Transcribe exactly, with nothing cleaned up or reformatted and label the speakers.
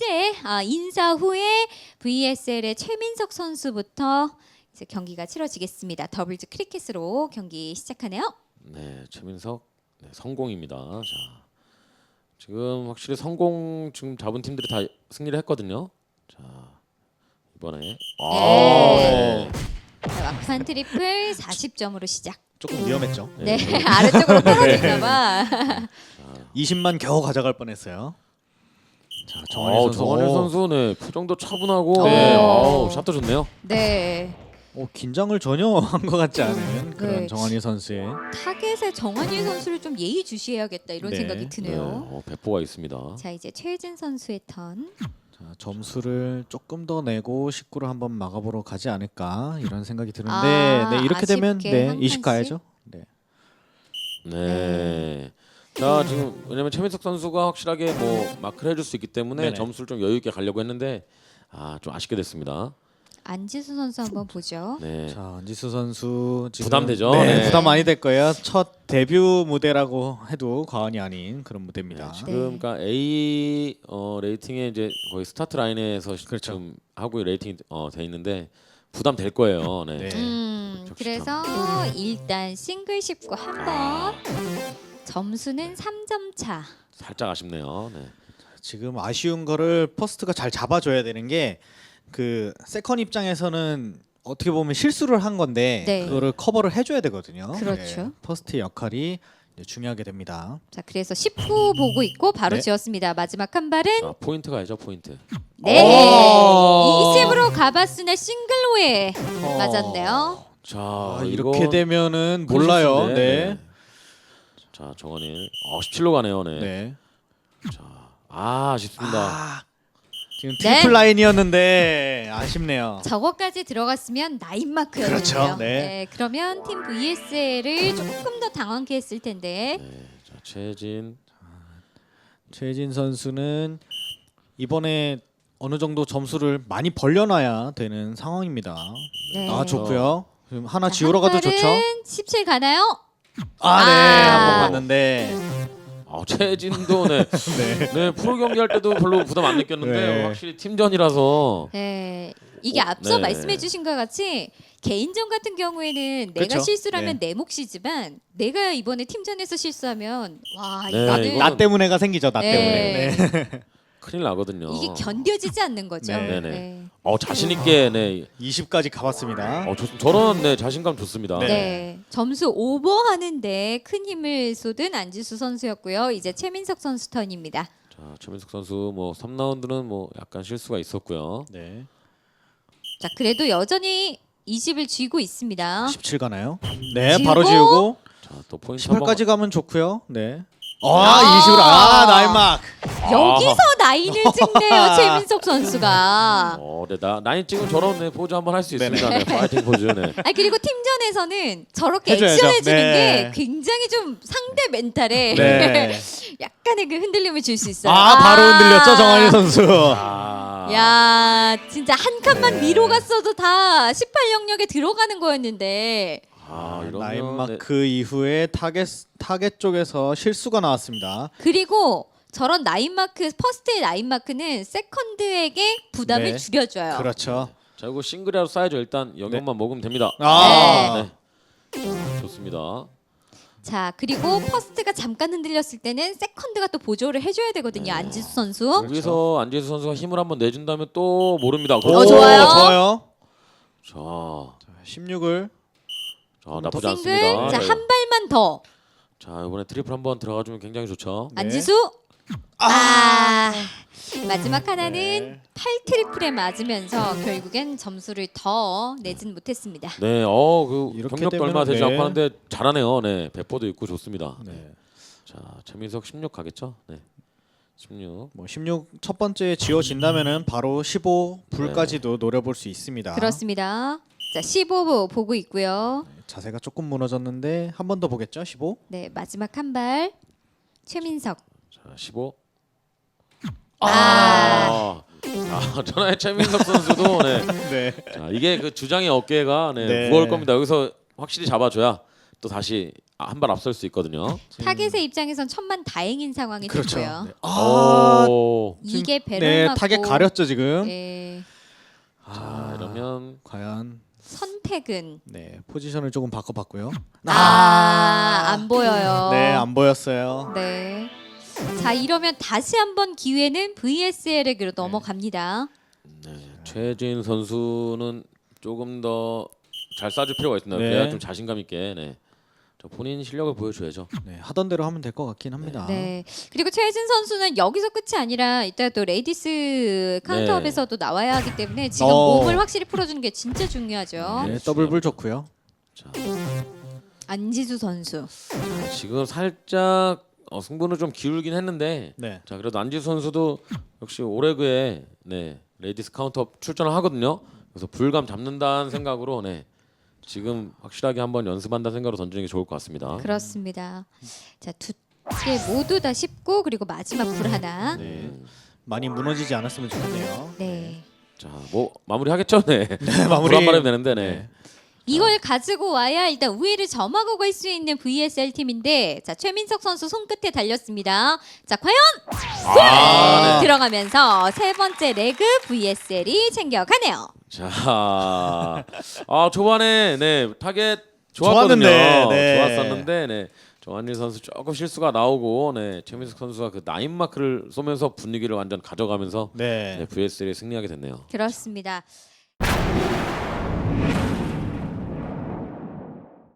Speaker 1: 이제 아, 인사 후에 브이에스엘의 최민석 선수부터 이제 경기가 치러지겠습니다. 더블즈 크리켓으로 경기 시작하네요.
Speaker 2: 네, 최민석 네, 성공입니다. 자, 지금 확실히 성공 지금 잡은 팀들이 다 승리를 했거든요. 자, 이번에 아,
Speaker 1: 네.
Speaker 2: 네.
Speaker 1: 자, 막판 트리플 사십 점으로 시작.
Speaker 3: 조금 위험했죠.
Speaker 1: 네, 아래쪽으로 떨어질까봐.
Speaker 3: 이십만 겨우 가져갈 뻔했어요. 자, 정한일
Speaker 2: 어,
Speaker 3: 선수.
Speaker 2: 정한일
Speaker 3: 오.
Speaker 2: 선수 네, 표정도 차분하고
Speaker 1: 네.
Speaker 2: 네, 아우, 샷도 좋네요.
Speaker 1: 네,
Speaker 3: 어, 긴장을 전혀 한 것 같지 않은 그런
Speaker 1: 네.
Speaker 3: 정한일 선수의
Speaker 1: 타겟에 정한일 선수를 좀 예의주시해야겠다 이런
Speaker 3: 네.
Speaker 1: 생각이
Speaker 2: 네,
Speaker 1: 드네요.
Speaker 2: 어, 배포가 있습니다.
Speaker 1: 자, 이제 최혜진 선수의 턴.
Speaker 3: 자, 점수를 조금 더 내고 십구를 한번 막아보러 가지 않을까 이런 생각이 드는데
Speaker 1: 아,
Speaker 3: 네, 이렇게 되면
Speaker 1: 아쉽게
Speaker 3: 네,
Speaker 1: 한
Speaker 3: 이십
Speaker 1: 칸씩?
Speaker 3: 가야죠. 네.
Speaker 2: 네. 자, 지금 왜냐면 최민석 선수가 확실하게 뭐 마크를 해줄 수 있기 때문에
Speaker 3: 네네.
Speaker 2: 점수를 좀 여유 있게 가려고 했는데 아, 좀 아쉽게 됐습니다.
Speaker 1: 안지수 선수 한번 보죠.
Speaker 2: 네.
Speaker 3: 자, 안지수 선수 지금
Speaker 2: 부담되죠?
Speaker 3: 네,
Speaker 2: 네.
Speaker 3: 부담 많이 될 거예요. 첫 데뷔 무대라고 해도 과언이 아닌 그런 무대입니다.
Speaker 2: 네, 지금 그러니까 A 어, 레이팅에 이제 거의 스타트 라인에서
Speaker 3: 그렇죠.
Speaker 2: 지금 하고 레이팅이 어, 돼 있는데 부담 될 거예요. 네.
Speaker 3: 네.
Speaker 1: 음,
Speaker 2: 적시점.
Speaker 1: 그래서 일단 싱글 십구 한번 점수는 삼 점 차.
Speaker 2: 살짝 아쉽네요. 네.
Speaker 3: 지금 아쉬운 거를 퍼스트가 잘 잡아줘야 되는 게 그 세컨 입장에서는 어떻게 보면 실수를 한 건데
Speaker 1: 네.
Speaker 3: 그거를 커버를 해줘야 되거든요.
Speaker 1: 그렇죠.
Speaker 3: 네, 퍼스트의 역할이 이제 중요하게 됩니다.
Speaker 1: 자, 그래서 십구 보고 있고 바로
Speaker 3: 네.
Speaker 1: 지었습니다. 마지막 한 발은
Speaker 2: 아, 포인트 가야죠, 포인트.
Speaker 1: 네.
Speaker 3: 오!
Speaker 1: 이셉으로 가봤으나 싱글로에
Speaker 3: 어.
Speaker 1: 맞았네요.
Speaker 2: 자,
Speaker 3: 아,
Speaker 2: 이거
Speaker 3: 이렇게 되면은
Speaker 2: 큰
Speaker 3: 몰라요.
Speaker 2: 실수인데,
Speaker 3: 네.
Speaker 2: 자, 정원일. 어, 십칠로 가네요. 네.
Speaker 3: 네.
Speaker 2: 자, 아, 아쉽습니다.
Speaker 3: 아, 지금
Speaker 1: 네.
Speaker 3: 트리플 라인이었는데 아쉽네요.
Speaker 1: 저거까지 들어갔으면 나인 마크였는데요.
Speaker 3: 그렇죠. 네.
Speaker 1: 그러면 팀 브이에스엘을 조금 더 당황케 했을 텐데.
Speaker 2: 네. 자, 최진.
Speaker 3: 최진 선수는 이번에 어느 정도 점수를 많이 벌려놔야 되는 상황입니다.
Speaker 1: 네.
Speaker 3: 아, 좋고요. 지금 하나
Speaker 1: 자,
Speaker 3: 지우러 가도
Speaker 1: 한
Speaker 3: 좋죠.
Speaker 1: 발은 십칠 가나요?
Speaker 3: 아, 네.
Speaker 1: 아.
Speaker 3: 한번 봤는데.
Speaker 2: 아, 최진도 네.
Speaker 3: 네.
Speaker 2: 네, 프로 경기할 때도 별로 부담 안 느꼈는데
Speaker 3: 네.
Speaker 2: 확실히 팀전이라서
Speaker 1: 네. 이게
Speaker 2: 어,
Speaker 1: 앞서
Speaker 2: 네.
Speaker 1: 말씀해주신 것 같이 개인전 같은 경우에는 내가
Speaker 3: 그쵸?
Speaker 1: 실수를 하면
Speaker 3: 네.
Speaker 1: 내 몫이지만 내가 이번에 팀전에서 실수하면 와
Speaker 2: 네,
Speaker 1: 이거는
Speaker 2: 이거는-
Speaker 3: 나 때문에가 생기죠. 나
Speaker 1: 네.
Speaker 3: 때문에. 네.
Speaker 2: 큰일 나거든요.
Speaker 1: 이게 견뎌지지 않는 거죠.
Speaker 3: 네.
Speaker 2: 네네. 어, 자신 있게 네.
Speaker 3: 이십까지 가봤습니다.
Speaker 2: 어, 좋, 저런 네, 자신감 좋습니다.
Speaker 3: 네.
Speaker 1: 네. 점수 오버하는데 큰 힘을 쏟은 안지수 선수였고요. 이제 최민석 선수 턴입니다.
Speaker 2: 자, 최민석 선수 뭐 삼 라운드는 뭐 약간 실수가 있었고요.
Speaker 3: 네.
Speaker 1: 자, 그래도 여전히 이십을 쥐고 있습니다.
Speaker 3: 십칠 가나요? 네,
Speaker 1: 지우고?
Speaker 3: 바로 지우고
Speaker 2: 자, 또 포인트
Speaker 3: 십팔까지 가면 좋고요. 네. 아, 이십으로 아, 나인막.
Speaker 1: 여기서 나인을 찍네요, 최민석 선수가.
Speaker 2: 한번 어, 네, 나 나인 찍은 저런 네, 포즈 한번 할 수 있습니다. 네, 파이팅 포즈. 네.
Speaker 1: 아 그리고 팀전에서는 저렇게
Speaker 3: 해줘야죠.
Speaker 1: 액션해주는
Speaker 3: 네.
Speaker 1: 게 굉장히 좀 상대 멘탈에
Speaker 3: 네.
Speaker 1: 약간의 그 흔들림을 줄 수 있어요.
Speaker 3: 아, 바로 흔들렸죠, 정한일 선수.
Speaker 2: 아.
Speaker 1: 야, 진짜 한 칸만
Speaker 3: 네.
Speaker 1: 위로 갔어도 다 십팔 영역에 들어가는 거였는데.
Speaker 2: 아, 이러면
Speaker 3: 나인
Speaker 2: 네.
Speaker 3: 마크 이후에 타겟 타겟 쪽에서 실수가 나왔습니다.
Speaker 1: 그리고 저런 나인 마크, 퍼스트의 나인 마크는 세컨드에게 부담을
Speaker 3: 네.
Speaker 1: 줄여줘요.
Speaker 3: 그렇죠.
Speaker 2: 자, 이거 싱글이라도 쌓여줘. 일단 영역만 먹으면 됩니다.
Speaker 3: 아.
Speaker 2: 네. 자, 좋습니다.
Speaker 1: 자, 그리고 퍼스트가 잠깐 흔들렸을 때는 세컨드가 또 보조를 해줘야 되거든요. 안지수 선수.
Speaker 2: 여기서 안재수 선수가 힘을 한번 내준다면 또 모릅니다.
Speaker 1: 어,
Speaker 2: 그렇죠?
Speaker 1: 좋아요.
Speaker 3: 좋아요.
Speaker 2: 자,
Speaker 3: 십육을
Speaker 2: 자 나쁘지
Speaker 1: 싱글.
Speaker 2: 않습니다.
Speaker 1: 자,
Speaker 2: 네.
Speaker 1: 한 발만 더.
Speaker 2: 자, 이번에 트리플 한번 들어가주면 굉장히 좋죠.
Speaker 3: 네.
Speaker 1: 안지수. 아. 마지막 하나는
Speaker 3: 네.
Speaker 1: 팔 트리플에 맞으면서 결국엔 점수를 더 내진 못했습니다.
Speaker 2: 네, 어, 그
Speaker 3: 이렇게
Speaker 2: 경력도 얼마
Speaker 3: 되면은,
Speaker 2: 되지
Speaker 3: 네.
Speaker 2: 않고 하는데 잘하네요. 네, 배포도 있고 좋습니다.
Speaker 3: 네.
Speaker 2: 자, 최민석 십육 가겠죠? 네, 십육.
Speaker 3: 뭐 십육 첫 번째 지워진다면은 바로 십오 불까지도 노려볼 수 있습니다.
Speaker 1: 그렇습니다. 자, 십오 보고 있고요.
Speaker 3: 네, 자세가 조금 무너졌는데 한 번 더 보겠죠? 십오.
Speaker 1: 네, 마지막 한 발. 최민석.
Speaker 2: 자, 십오.
Speaker 1: 아.
Speaker 2: 아, 아 전화의 최민석 선수도 네.
Speaker 3: 네.
Speaker 2: 자, 이게 그 주장의 어깨가 네,
Speaker 3: 네.
Speaker 2: 무거울 겁니다. 여기서 확실히 잡아줘야 또 다시 한 발 앞설 수 있거든요.
Speaker 1: 타겟의 입장에선 천만 다행인 상황이
Speaker 3: 그렇죠.
Speaker 1: 됐고요.
Speaker 3: 네. 아,
Speaker 2: 오.
Speaker 1: 이게 배를
Speaker 3: 네,
Speaker 1: 맞고
Speaker 3: 타겟 가렸죠 지금.
Speaker 1: 네,
Speaker 2: 자 이러면
Speaker 3: 과연
Speaker 1: 선택은
Speaker 3: 네 포지션을 조금 바꿔봤고요.
Speaker 1: 아, 안 보여요.
Speaker 3: 네, 안 보였어요.
Speaker 1: 네. 자 이러면 다시 한번 기회는 브이에스엘에게로 넘어갑니다.
Speaker 2: 네, 최진 선수는 조금 더 잘 쏴줄 필요가 있습니다.
Speaker 3: 네.
Speaker 2: 그래야 좀 자신감 있게 네. 저 본인 실력을 보여줘야죠.
Speaker 3: 네, 하던 대로 하면 될 것 같긴 합니다.
Speaker 1: 네. 그리고 최혜진 선수는 여기서 끝이 아니라 이따 또 레이디스 카운트업에서도 나와야 하기 때문에 지금
Speaker 3: 어.
Speaker 1: 몸을 확실히 풀어주는 게 진짜 중요하죠.
Speaker 3: 네, 더블불 좋고요.
Speaker 2: 자,
Speaker 1: 안지수 선수.
Speaker 2: 지금 살짝 어, 승부는 좀 기울긴 했는데
Speaker 3: 네.
Speaker 2: 자 그래도 안지수 선수도 역시 오레그에 네 레이디스 카운트업 출전을 하거든요. 그래서 불감 잡는다는 생각으로 네 지금 확실하게 한번 연습한다는 생각으로 던지는 게 좋을 것 같습니다.
Speaker 1: 그렇습니다. 자, 두 개 모두 다 쉽고 그리고 마지막 불 하나.
Speaker 3: 네. 많이 무너지지 않았으면 좋겠네요.
Speaker 1: 네.
Speaker 2: 자뭐 마무리 하겠죠? 네.
Speaker 3: 네, 마무리.
Speaker 2: 불한 바람이 되는데 네.
Speaker 3: 네.
Speaker 1: 이걸 가지고 와야 일단 우위를 점하고 갈 수 있는 브이에스엘 팀인데 자 최민석 선수 손끝에 달렸습니다. 자 과연
Speaker 2: 아, 네.
Speaker 1: 들어가면서 세 번째 레그 브이에스엘이 챙겨가네요.
Speaker 2: 자, 아 초반에 네 타겟 좋았거든요.
Speaker 3: 좋았는데, 네.
Speaker 2: 좋았었는데 네 정한일 선수 조금 실수가 나오고 네 최민석 선수가 그 나인 마크를 쏘면서 분위기를 완전 가져가면서
Speaker 3: 네.
Speaker 2: 네, 브이에스엘이 승리하게 됐네요.
Speaker 1: 그렇습니다.